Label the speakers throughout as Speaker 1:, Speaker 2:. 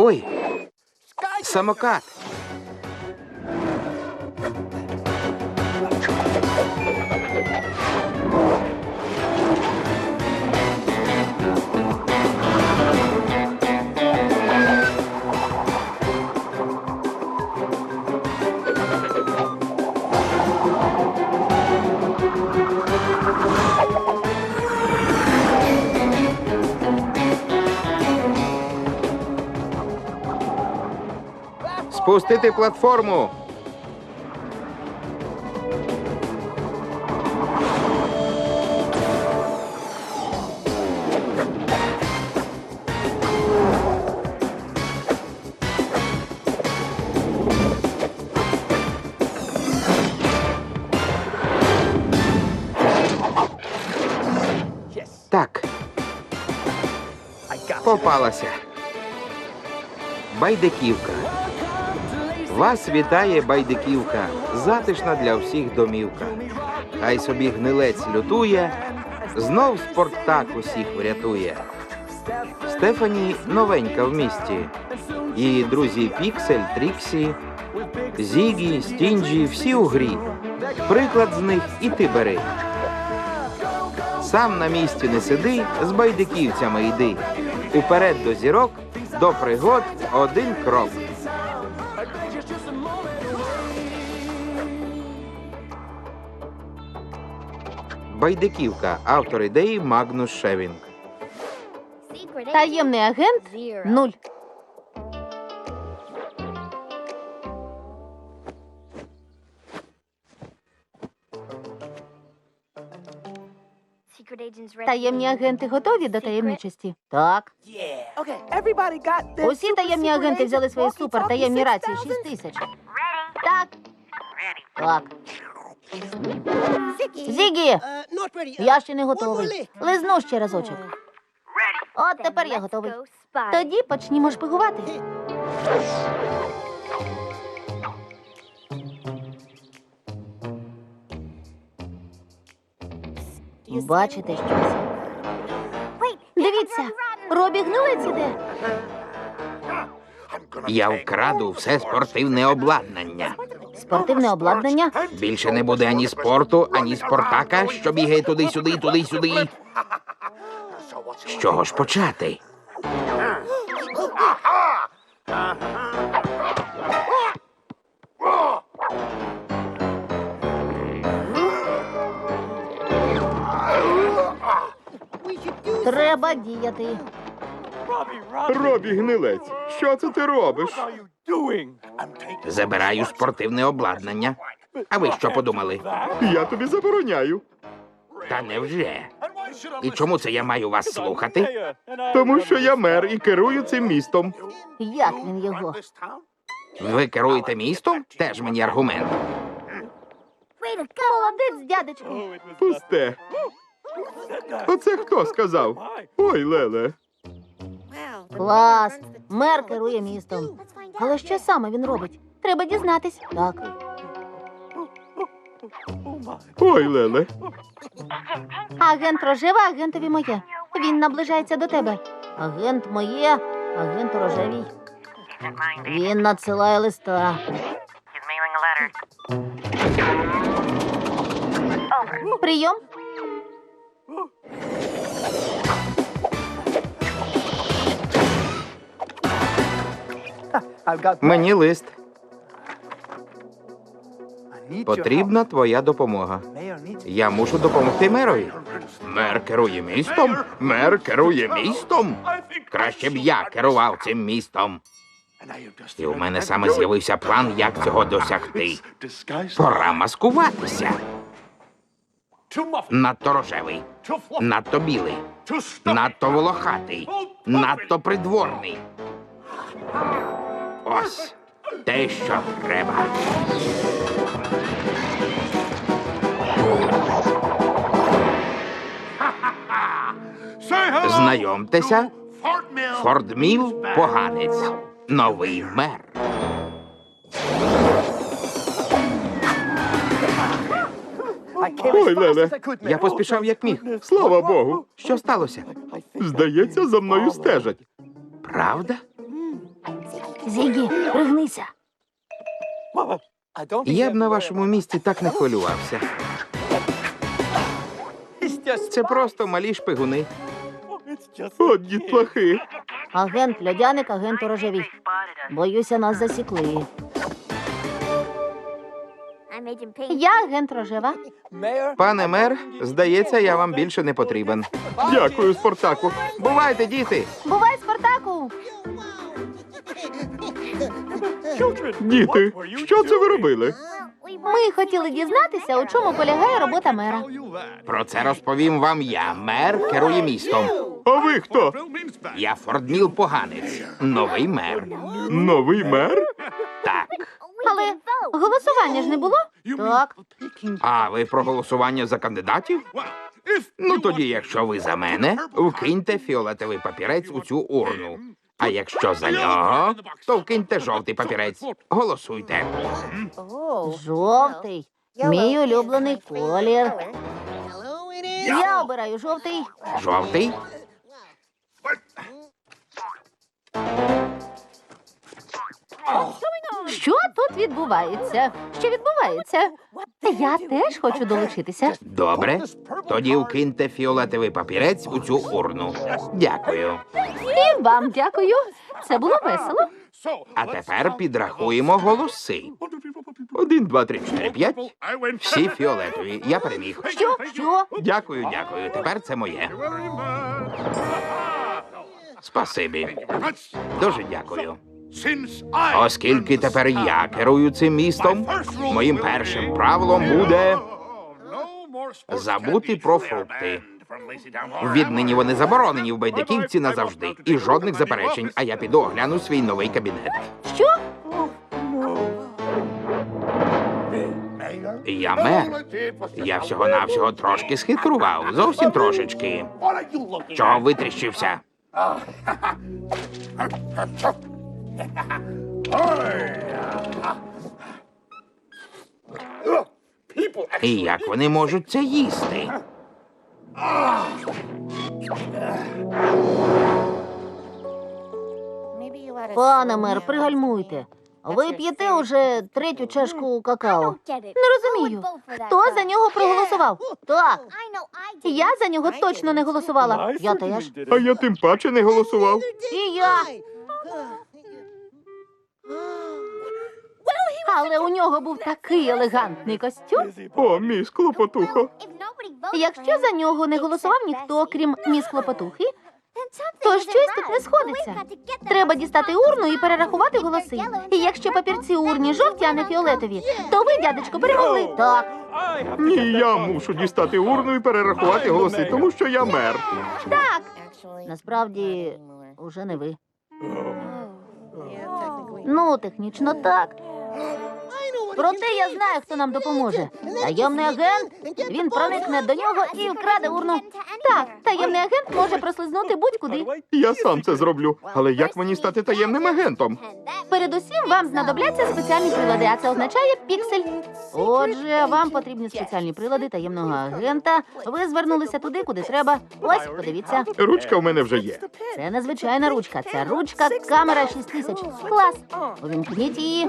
Speaker 1: Ой! Самокат! Спустити платформу! Так. Попалася. Байдиківка. Вас вітає Байдиківка. Затишна для всіх домівка. Хай собі гнилець лютує, знов Спартак усіх врятує. Стефані новенька в місті. Її друзі Піксель, Тріксі, Зігі, Стінджі, всі у грі. Приклад з них і ти бери. Сам на місці не сиди, з байдиківцями йди. Уперед до зірок, до пригод один крок. Байдиківка. Автор ідеї Магнус Шевінг.
Speaker 2: Таємний агент 0. Таємні агенти готові до таємничості? Так. Усі таємні агенти взяли свої супертаємні рації 6000. Так. Так. Зігі! Я ще не готовий. Лизну ще разочок. От тепер я готовий. Тоді почнімо шпигувати. Бачите щось? Дивіться, Робі гнилець іде.
Speaker 1: Я вкраду все спортивне обладнання.
Speaker 2: Спортивне обладнання?
Speaker 1: Більше не буде ані спорту, ані Спартака, що бігає туди-сюди, туди-сюди. З чого ж почати?
Speaker 2: Треба діяти.
Speaker 3: Робі гнилець, що це ти робиш?
Speaker 1: Забираю спортивне обладнання. А ви що подумали?
Speaker 3: Я тобі забороняю.
Speaker 1: Та невже? І чому це я маю вас слухати?
Speaker 3: Тому що я мер і керую цим містом.
Speaker 2: Як він його?
Speaker 1: Ви керуєте містом? Теж мені аргумент.
Speaker 2: Молодець, дядечко.
Speaker 3: Пусте. Оце хто сказав? Ой, Леле.
Speaker 2: Клас. Мер керує містом. Але що саме він робить? Треба дізнатись. Так.
Speaker 3: Ой, Леле.
Speaker 2: Агент рожева, агентові моє. Він наближається до тебе. Агент моє, агент рожевій. Він надсилає листа. Прийом.
Speaker 1: Мені лист. Потрібна твоя допомога. Я мушу допомогти мерові. Мер керує містом? Мер керує містом? Краще б я керував цим містом. І у мене саме з'явився план, як цього досягти. Пора маскуватися. Надто рожевий, надто білий, надто волохатий, надто придворний. Ось те, що треба. Знайомтеся, Фордміл поганець, новий мер.
Speaker 3: Ой, Леле.
Speaker 1: Я поспішав як міг.
Speaker 3: Слава Богу.
Speaker 1: Що сталося?
Speaker 3: Здається, за мною стежать.
Speaker 1: Правда?
Speaker 2: Зігі, пригнися.
Speaker 1: Я б на вашому місці так не хвилювався. Це просто малі шпигуни.
Speaker 3: От дітлахи.
Speaker 2: Агент Льодяник, агент Рожевій. Боюся, нас засікли. Я агент Рожева.
Speaker 1: Пане мер, здається, я вам більше не потрібен.
Speaker 3: Дякую, Спартаку.
Speaker 1: Бувайте, діти!
Speaker 2: Бувай, Спартаку!
Speaker 3: Діти, що це ви робили?
Speaker 2: Ми хотіли дізнатися, у чому полягає робота мера.
Speaker 1: Про це розповім вам я. Мер керує містом.
Speaker 3: А ви хто?
Speaker 1: Я Фордміл Поганець. Новий мер.
Speaker 3: Новий мер?
Speaker 1: Так.
Speaker 2: Але голосування ж не було? Так.
Speaker 1: А ви про голосування за кандидатів? Ну тоді, якщо ви за мене, вкиньте фіолетовий папірець у цю урну. А якщо за нього, то вкиньте жовтий папірець. Голосуйте.
Speaker 2: Жовтий. Мій улюблений колір. Я обираю жовтий.
Speaker 1: Жовтий.
Speaker 2: Що тут відбувається? Що відбувається? Я теж хочу долучитися.
Speaker 1: Добре. Тоді вкиньте фіолетовий папірець у цю урну. Дякую.
Speaker 2: І вам дякую. Це було весело.
Speaker 1: А тепер підрахуємо голоси. 1, 2, 3, 4, 5. Всі фіолетові. Я переміг.
Speaker 2: Що? Що?
Speaker 1: Дякую, дякую. Тепер це моє. Спасибі. Дуже дякую. Оскільки тепер я керую цим містом, моїм першим правилом буде забути про фрукти. Віднині вони заборонені в Байдиківці назавжди. І жодних заперечень, а я піду огляну свій новий кабінет.
Speaker 2: Що?
Speaker 1: Я мер. Я всього-навсього трошки схитрував. Зовсім трошечки. Чого витріщився? І як вони можуть це їсти?
Speaker 2: Пане мер, пригальмуйте. Ви п'єте уже третю чашку какао. Не розумію, хто за нього проголосував? Так, я за нього точно не голосувала. Я теж.
Speaker 3: А я тим паче не голосував.
Speaker 2: І я. Але у нього був такий елегантний костюм.
Speaker 3: О, мій склопотухо.
Speaker 2: Якщо за нього не голосував ніхто, крім міс Клопотухи, то щось тут не сходиться. Треба дістати урну і перерахувати голоси. І якщо папірці урні жовті, а не фіолетові, то ви, дядечко, перемогли. Так.
Speaker 3: Ні, я мушу дістати урну і перерахувати голоси, тому що я мер.
Speaker 2: Так. Насправді, уже не ви. Ну, технічно так. Проте я знаю, хто нам допоможе. Таємний агент, він проникне до нього і вкраде урну. Так, таємний агент може прослизнути будь-куди.
Speaker 3: Я сам це зроблю. Але як мені стати таємним агентом?
Speaker 2: Передусім вам знадобляться спеціальні прилади, а це означає піксель. Отже, вам потрібні спеціальні прилади таємного агента. Ви звернулися туди, куди треба. Ось, подивіться.
Speaker 3: Ручка в мене вже є.
Speaker 2: Це незвичайна ручка. Це ручка камера 6000. Клас. Увімкніть її.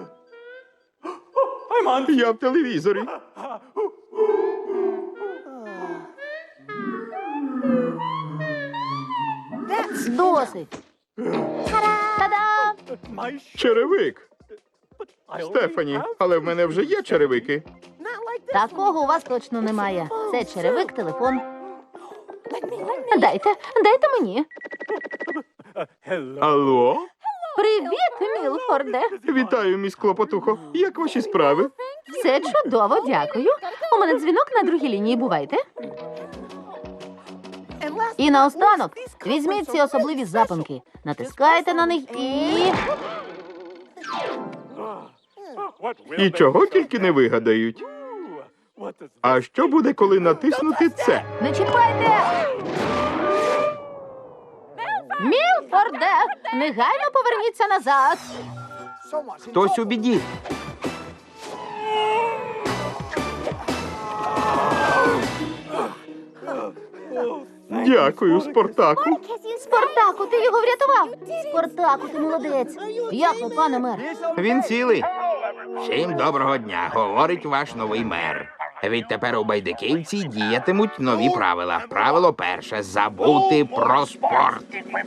Speaker 3: Я в телевізорі.
Speaker 2: Досить. Та-дам!
Speaker 3: Черевик. Стефані, але в мене вже є черевики.
Speaker 2: Такого у вас точно немає. Це черевик, телефон. Дайте мені.
Speaker 3: Алло?
Speaker 2: Привіт, Мілфорде.
Speaker 3: Вітаю, міс Клопотухо. Як ваші справи?
Speaker 2: Все чудово, дякую. У мене дзвінок на другій лінії, бувайте. І наостанок, візьміть ці особливі запонки. Натискайте на них і...
Speaker 3: І чого тільки не вигадають. А що буде, коли натиснути це?
Speaker 2: Не чіпайте! Мілфорде, негайно поверніться назад.
Speaker 1: Хтось у біді.
Speaker 3: Дякую, Спартаку.
Speaker 2: Спартаку, ти його врятував! Спартаку, ти молодець! Як ви, пане мер?
Speaker 1: Він цілий. Всім доброго дня, говорить ваш новий мер. Відтепер у Байдиківці діятимуть нові правила. Правило перше – забути про спорт.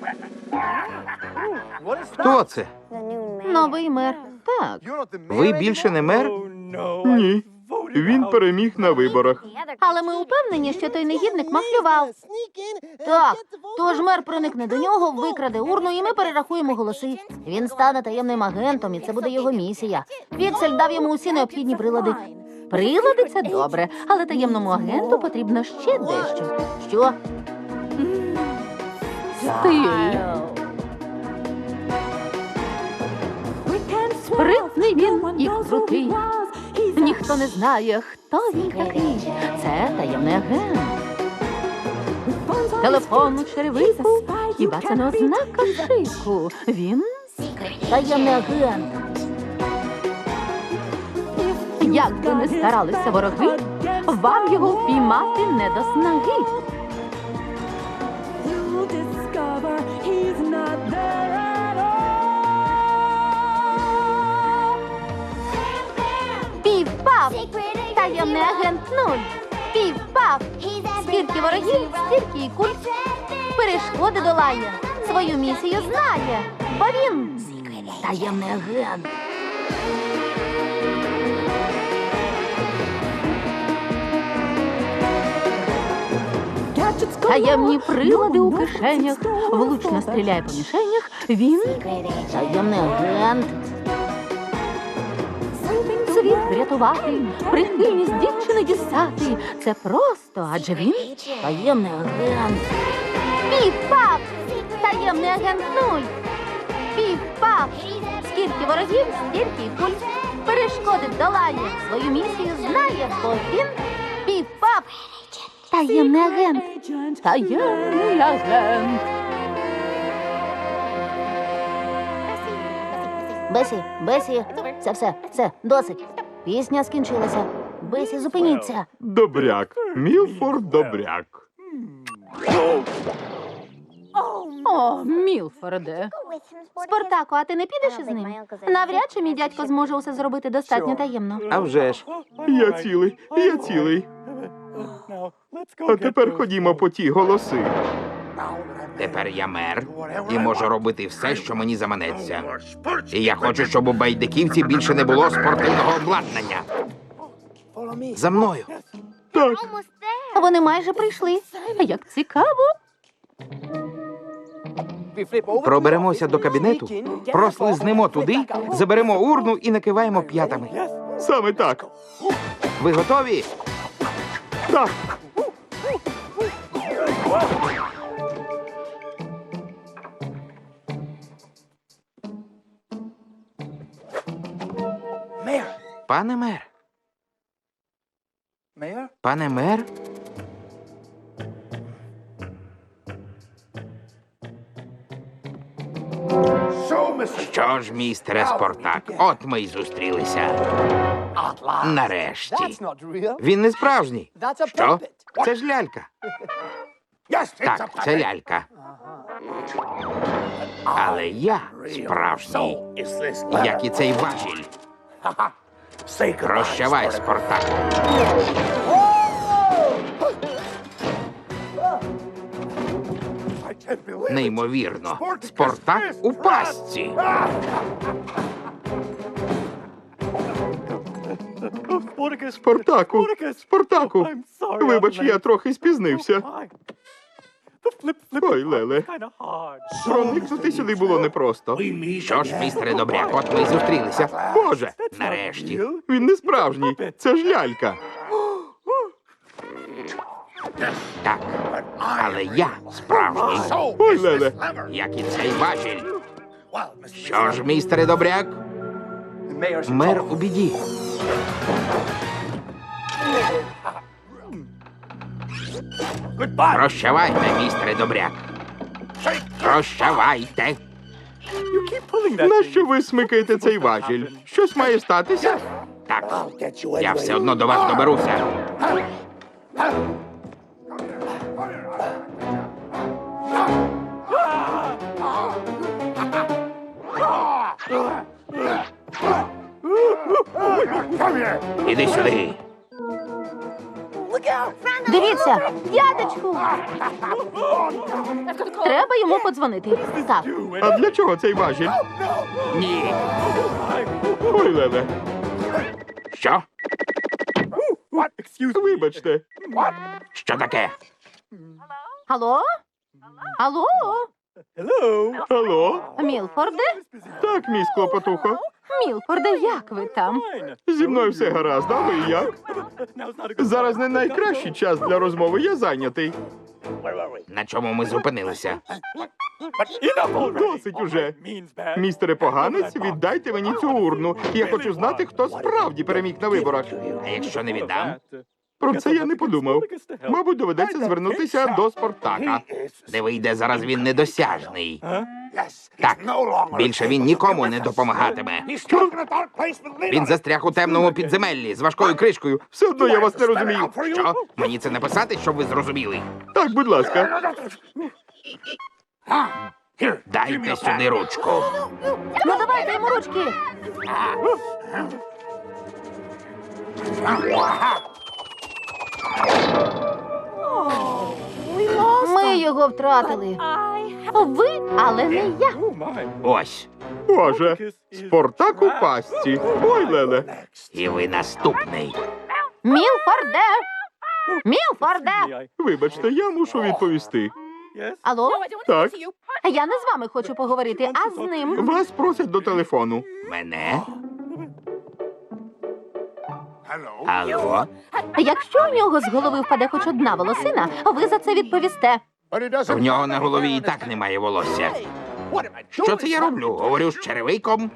Speaker 1: Хто це?
Speaker 2: Новий мер. Так.
Speaker 1: Ви більше не мер?
Speaker 3: Ні. Він переміг на виборах.
Speaker 2: Але ми упевнені, що той негідник махлював. Так, тож мер проникне до нього, викраде урну, і ми перерахуємо голоси. Він стане таємним агентом, і це буде його місія. Піксель дав йому усі необхідні прилади. Прилади – це добре, але таємному агенту потрібно ще дещо. Що? Стиль. Спритний він і крутий. Ніхто не знає, хто він такий. Це таємний агент. Телефон у черевику, хіба це не ознака шику? Він таємний агент. Як би не старалися вороги, вам його впіймати не до снаги. Пів-пав! Таємний агент 0. Пів-пав! Скільки ворогів, стільки і куль. Перешкоди долає, свою місію знає, бо він таємний агент. Таємні прилади у кишенях, влучно стріляє по мішенях. Він таємний агент. Світ врятувати, прихильність дівчини дістати. Це просто, адже він таємний агент. Пів-пав! Таємний агент 0. Пів-пав! Скільки ворогів, стільки й куль. Перешкоди долає, свою місію знає, бо він пів-пав! Таємний агент. Таємний агент. Бесі, все, досить. Пісня скінчилася. Бесі, зупиніться.
Speaker 3: Добряк. Мілфорд добряк.
Speaker 2: О, Мілфорде. Спартаку, а ти не підеш із ним? Навряд чи мій дядько зможе усе зробити достатньо таємно.
Speaker 1: А вже ж.
Speaker 3: Я цілий. А тепер ходімо по ті голоси.
Speaker 1: Тепер я мер і можу робити все, що мені заманеться. І я хочу, щоб у Байдиківці більше не було спортивного обладнання. За мною.
Speaker 3: Так,
Speaker 2: Вони майже прийшли. Як цікаво.
Speaker 1: Проберемося до кабінету, прослизнемо туди, заберемо урну і накиваємо п'ятами.
Speaker 3: саме так.
Speaker 1: Ви готові?
Speaker 3: Так.
Speaker 1: Пане мер. Пане мер? Що ж, містере Спартак, от ми й зустрілися. Нарешті. Він не справжній. Що? Це ж лялька. Так, це лялька. Але я справжній, як і цей важіль. Прощавай, Спартак. Неймовірно. Спартак у пастці.
Speaker 3: Спартаку. Вибач, я трохи спізнився. Ой, Леле. Проникнути сюди було непросто.
Speaker 1: Що ж, містере Добряк, от ми й зустрілися.
Speaker 3: Боже,
Speaker 1: Нарешті.
Speaker 3: він не справжній. Це ж лялька.
Speaker 1: Так, але я справжній,
Speaker 3: Ой, Леле.
Speaker 1: як і цей важіль. Що ж, містере Добряк? Мер у біді. Прощавайте, містере Добряк. Прощавайте.
Speaker 3: Нащо ви смикаєте цей важіль? Щось має статися?
Speaker 1: Так, я все одно до вас доберуся. Іди сюди.
Speaker 2: Дивіться, дядечку! Треба йому подзвонити. Так,
Speaker 3: А для чого цей важіль?
Speaker 1: Ні.
Speaker 3: Ой, Леле,
Speaker 1: Що?
Speaker 3: вибачте.
Speaker 1: Що таке?
Speaker 2: алло? Алло?
Speaker 3: Алло?
Speaker 2: Мілфорде?
Speaker 3: Так, мій Клопотухо.
Speaker 2: Мілфорде, як ви там?
Speaker 3: Зі мною все гаразд, а ви як? Зараз не найкращий час для розмови, я зайнятий.
Speaker 1: На чому ми зупинилися?
Speaker 3: Досить уже. Містере поганець, віддайте мені цю урну. Я хочу знати, хто справді переміг на виборах.
Speaker 1: А якщо не віддам?
Speaker 3: Про це я не подумав. Мабуть, доведеться звернутися до Спартака.
Speaker 1: Де вийде, зараз він недосяжний. Так, більше він нікому не допомагатиме. Він застряг у темному підземеллі з важкою кришкою.
Speaker 3: Все одно я вас не розумію.
Speaker 1: Що? Мені це написати, щоб ви зрозуміли?
Speaker 3: Так, будь ласка.
Speaker 1: Дайте сюди ручку.
Speaker 2: Ну давайте йому ручки. Ми його втратили. Ви, але не я.
Speaker 1: Ось.
Speaker 3: Боже, Спартак у пастці. Ой, Леле.
Speaker 1: І ви наступний.
Speaker 2: Мілфорде! Мілфорде!
Speaker 3: Вибачте, я мушу відповісти.
Speaker 2: Алло?
Speaker 3: Так,
Speaker 2: Я не з вами хочу поговорити, а з ним.
Speaker 3: вас просять до телефону.
Speaker 1: Мене? Алло?
Speaker 2: Якщо у нього з голови впаде хоч одна волосина, ви за це відповісте.
Speaker 1: В нього на голові і так немає волосся. Що це я роблю? Говорю з черевиком?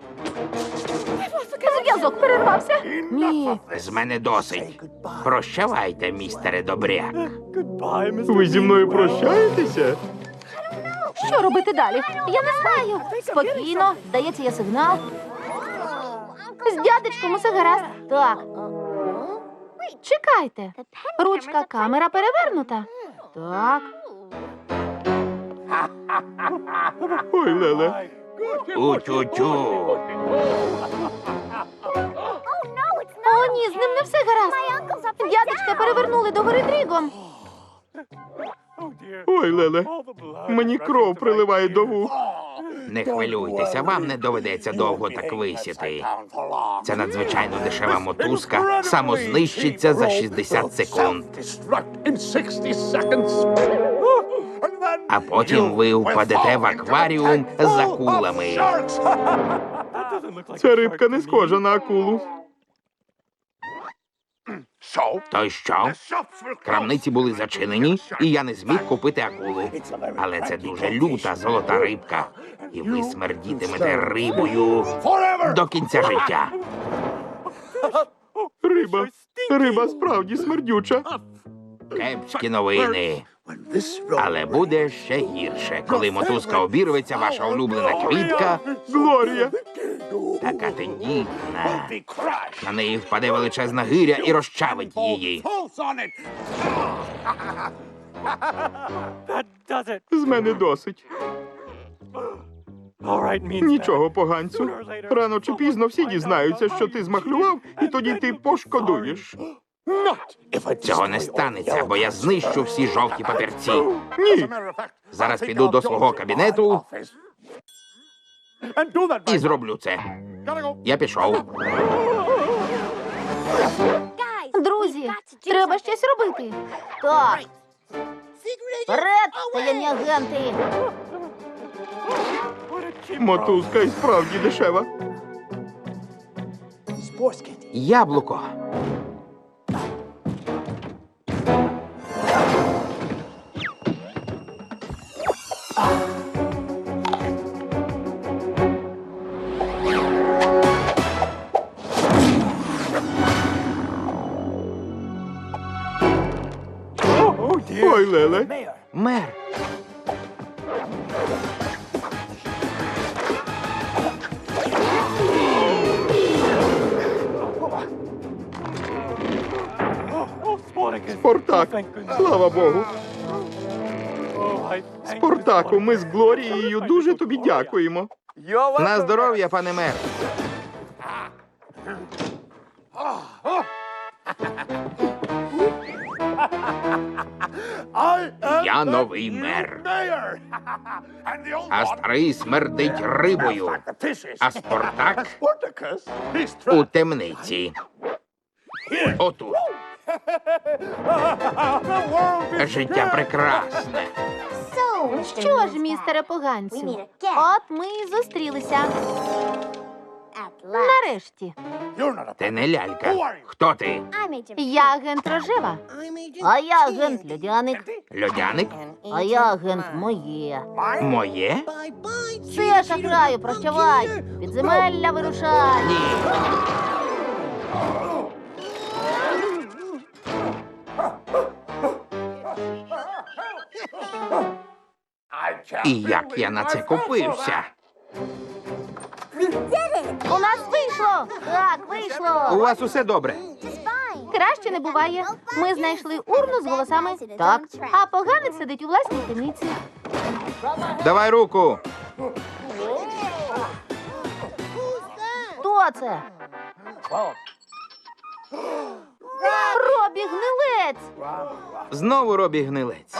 Speaker 2: Зв'язок перервався. Ні.
Speaker 1: З мене досить. Прощавайте, містере Добряк.
Speaker 3: Ви зі мною прощаєтеся?
Speaker 2: Що робити далі? Я не знаю. Спокійно, здається, є сигнал. З дядечком усе гаразд. Так. Чекайте. Ручка камера перевернута. Так.
Speaker 3: Ой, Леле.
Speaker 1: У-тю-тю.
Speaker 2: О, ні, з ним не все гаразд. Дядечка перевернули догори дрігом.
Speaker 3: Ой, Леле. Мені кров приливає до вух.
Speaker 1: Не хвилюйтеся, вам не доведеться довго так висіти. Це надзвичайно дешева мотузка, самознищиться за 60 секунд. А потім ви впадете в акваріум з акулами.
Speaker 3: Ця рибка не схожа на акулу.
Speaker 1: То й що? Крамниці були зачинені, і я не зміг купити акулу. Але це дуже люта золота рибка. І ви смердітимете рибою до кінця життя.
Speaker 3: Риба справді смердюча.
Speaker 1: Кепські новини. Але буде ще гірше, коли мотузка обірветься, ваша улюблена квітка,
Speaker 3: Глорія.
Speaker 1: така тендітна. На неї впаде величезна гиря і розчавить її.
Speaker 3: З мене досить. Нічого, поганцю. Рано чи пізно всі дізнаються, що ти змахлював, і тоді ти пошкодуєш.
Speaker 1: Цього не станеться, бо я знищу всі жовті папірці.
Speaker 3: Ні.
Speaker 1: Зараз піду до свого кабінету і зроблю це. Я пішов.
Speaker 2: Друзі, треба щось робити. Так. Вперед, таємні агенти.
Speaker 3: Мотузка і справді дешева.
Speaker 1: Яблуко.
Speaker 3: Ой, Леле.
Speaker 1: Мер.
Speaker 3: Спартак. Слава Богу. Спартаку, ми з Глорією дуже тобі дякуємо.
Speaker 1: На здоров'я, пане мер. я новий мер. А старий смердить рибою. А Спартак у темниці. Отут. Життя прекрасне.
Speaker 2: Що ж, містере поганцю? От ми і зустрілися. Нарешті.
Speaker 1: Ти не лялька. Хто ти?
Speaker 2: Я агент Рожева. А я агент Льодяник.
Speaker 1: Льодяник?
Speaker 2: А я агент Моє.
Speaker 1: Моє?
Speaker 2: Все, шахраю, прощавай. Підземелля вирушай.
Speaker 1: Ні. І як я на це купився?
Speaker 2: У нас вийшло. Так,
Speaker 1: У
Speaker 2: вийшло.
Speaker 1: вас усе добре?
Speaker 2: Краще не буває. Ми знайшли урну з голосами. Так. А поганець сидить у власній темниці.
Speaker 1: Давай руку.
Speaker 2: Хто це? Робі Гнилець.
Speaker 1: Знову Робі Гнилець.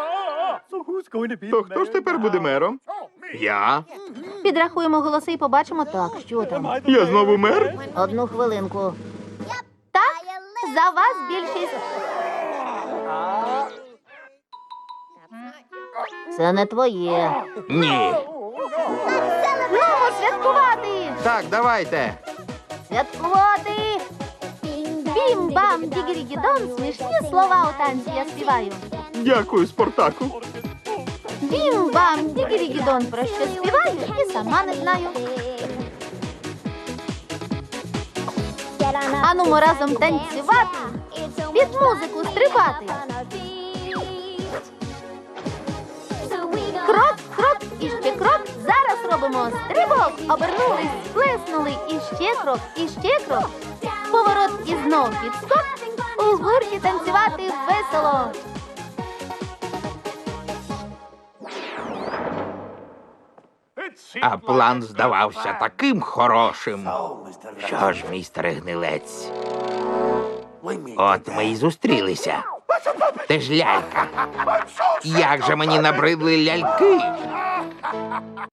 Speaker 3: То хто ж тепер буде мером?
Speaker 1: Я?
Speaker 2: Підрахуємо голоси і побачимо так, що там.
Speaker 3: Я знову мер?
Speaker 2: Одну хвилинку. Так, за вас більшість. Це не твоє.
Speaker 1: Ні.
Speaker 2: Ну, святкувати!
Speaker 1: Так, давайте.
Speaker 2: Святкувати! Бім-бам, дігірі-гідон, смішні слова у танці я співаю.
Speaker 3: Дякую, Спартаку.
Speaker 2: Бім-бам, дігірі-гідон, про що співаю і сама не знаю. Анумо разом танцювати, під музику стрибати. Крок, крок і ще крок. Зараз робимо стрибок. Обернулись, сплеснули, і ще крок. Поворот і знов підскок. У гурті танцювати весело.
Speaker 1: А план здавався таким хорошим. Що ж, містере Гнилець? От ми й зустрілися. Ти ж лялька. Як же мені набридли ляльки?